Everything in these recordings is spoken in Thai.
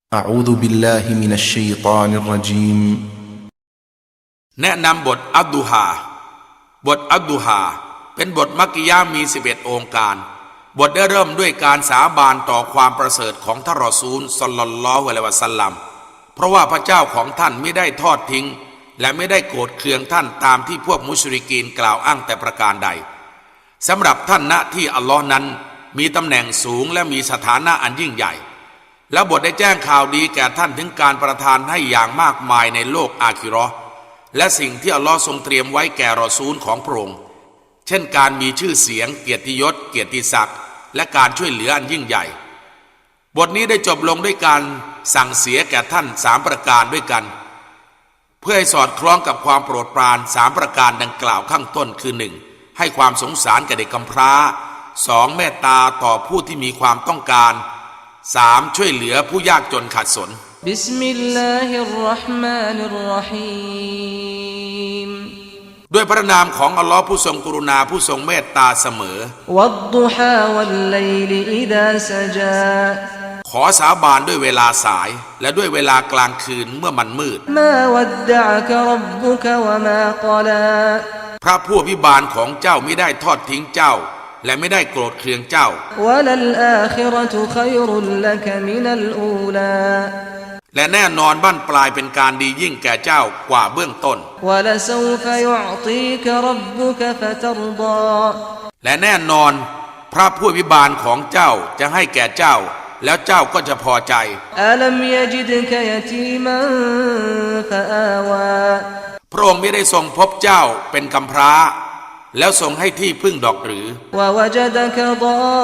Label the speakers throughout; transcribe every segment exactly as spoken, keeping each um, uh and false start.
Speaker 1: أعوذ بالله من الشيطان الرجيم
Speaker 2: แนะนำบทอัดดุฮาบทอัดดุฮาเป็นบทมักกิยะห์มีสิบเอ็ดองค์การบทได้เริ่มด้วยการสาบานต่อความประเสริฐของท่านรอซูลศ็อลลัลลอฮุอะลัยฮิวะซัลลัมเพราะว่าพระเจ้าของท่านไม่ได้ทอดทิ้งและไม่ได้โกรธเคืองท่านตามที่พวกมุชริกีนกล่าวอ้างแต่ประการใดสำหรับท่านณที่อัลลอฮ์นั้นมีตำแหน่งสูงและมีสถานะอันยิ่งใหญ่และบทได้แจ้งข่าวดีแก่ท่านถึงการประทานให้อย่างมากมายในโลกอาคิเราะห์และสิ่งที่อัลลอฮ์ทรงเตรียมไว้แก่รอซูลของพระองค์เช่นการมีชื่อเสียงเกียรติยศเกียรติศักดิ์และการช่วยเหลืออันยิ่งใหญ่บทนี้ได้จบลงด้วยการสั่งเสียแก่ท่านสามประการด้วยกันเพื่อให้สอดคล้องกับความโปรดปรานสามประการดังกล่าวข้างต้นคือหนึ่งให้ความสงสารแก่เด็กกำพร้าสองเมตตาต่อผู้ที่มีความต้องการสามช่วยเหลือผู้ยากจนขัดสน
Speaker 3: บิสมิลลาฮิรเราะห์มานิรเราะฮีม
Speaker 2: ด้วยพระนามของอัลลอฮ์ผู้ทรงกรุณาผู้ทรงเมตตาเสมอ
Speaker 3: วัดดุฮาวัลไลลิอิซาซะจา
Speaker 2: ขอสาบานด้วยเวลาสายและด้วยเวลากลางคืนเมื่อมันมืด
Speaker 3: มาวัดดะกะร็อบบุกะวะมาฆอลา
Speaker 2: พระผู้อภิบาลของเจ้าไม่ได้ทอดทิ้งเจ้าและไม่ได้โกรธเคืองเจ้าวะลัลอาคิเราะตุค็อยรุลละกะมินัลอูลาและแน่นอนบั้นปลายเป็นการดียิ่งแก่เจ้ากว่าเบื้องต้น
Speaker 3: วะละซอฟะยุอฏีกะร็อบบุกะฟะตัรฎา
Speaker 2: และแน่นอนพระผู้อภิบาลของเจ้าจะให้แก่เจ้าแล้วเจ้าก็จะพอใจ
Speaker 3: อะลัมยะญิดกะยะตีมันฟะอาวา
Speaker 2: พระองค์ไม่ได้ทรงพบเจ้าเป็นกำพร้าแล้วทรงให้ที่พึ่งดอกหรือ
Speaker 3: วะวะจะดะกะฎ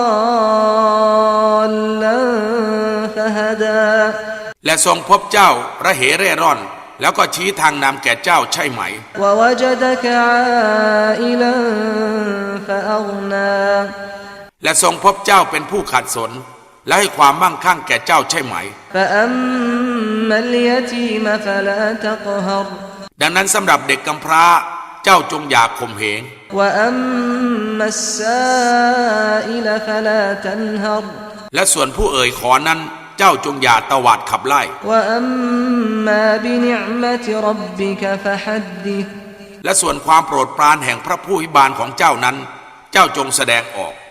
Speaker 3: อลลันฟะฮะดา
Speaker 2: และทรงพบเจ้าระเหเร่ร่อนแล้วก็ชี้ทางนำแก่เจ้าใช่ไหม
Speaker 3: วะวะจะดะกะอาอิลันฟะอัฆนา
Speaker 2: และทรงพบเจ้าเป็นผู้ขัดสนและให้ความมั่งคั่งแก่เจ้าใช่ไหม
Speaker 3: ฟะอัมมัลยะตีมฟะลาตักฮร
Speaker 2: ดังนั้นสำหรับเด็กกำพร้าเจ้าจงอย่าข่มเหง
Speaker 3: วะอัมมัสซาอิลฟะลาตันฮร
Speaker 2: และส่วนผู้เอ่ยขอนั้นเจ้าจงอย่าตวาดขับไล่
Speaker 3: วะอัมมาบินิอ์มะติร็อบบิกะฟะฮัดดิษ
Speaker 2: และส่วนความโปรดปรานแห่งพระผู้อภิบาลของเจ้านั้นเจ้าจงแสดงออก